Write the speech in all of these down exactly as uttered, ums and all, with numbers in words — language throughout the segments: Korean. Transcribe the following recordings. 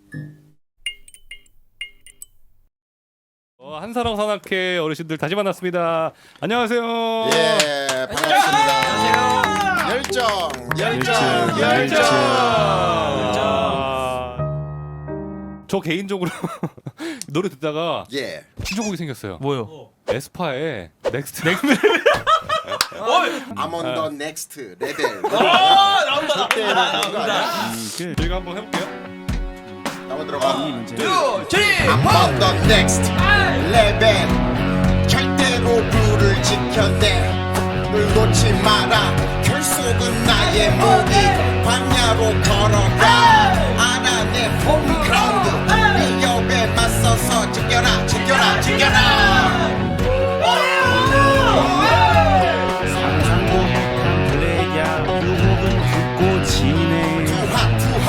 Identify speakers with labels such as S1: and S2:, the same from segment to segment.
S1: 어, 한사랑 산악회 어르신들 다시 만났습니다. 안녕하세요.
S2: 예, 반갑습니다. 열정, 열정, 열정.
S1: 아, 저 개인적으로 노래 듣다가
S2: 예.
S1: 신청곡이 생겼어요.
S3: 뭐요?
S1: 에스파의 넥스트. 넥스트.
S2: I'm on the next level.
S3: 아 나온다
S2: 절대 나온다.
S1: 저희가 한번 해볼게요.
S2: 나만 들어가.
S3: 투 쓰리
S2: I'm on the next level. 절대로 룰을 지켜내. 늘 놓지 마라. 결속은 나의 무기. 광야로 걸어가. 알아내 홈그라운드. 위협에 맞서서 지켜라, 지켜라, 지켜라.
S4: 상상도 못한 플레이야 유혹은 굳고 지네
S2: 투하, 투하.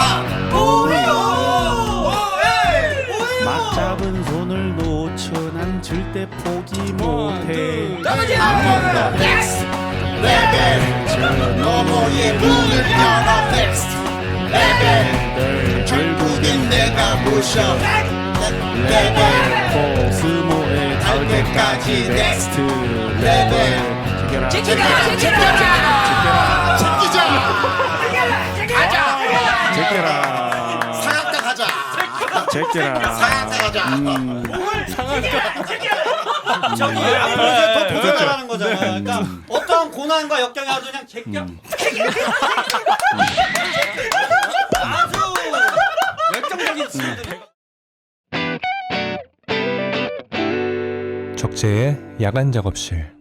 S4: 막 잡은 손을 놓쳐 난 절대 포기 못해
S2: I'm on the next level. 너머의 문을 열어 next level. 결국엔 내가 부셔 level.
S4: 코스모에
S2: 갈 때까지 next level.
S4: 지켜라
S2: 지켜라, 지키자.
S4: 제껴라
S2: 상한가 가자.
S4: 제껴라
S2: 상한가 가자.
S5: 저기 아무래도 더 도전하라는 거잖아. 그러니까 어떠한 고난과 역경이 아주 그냥 제껴. 아주 열정적인 친구들.
S6: 적재의 야간 작업실.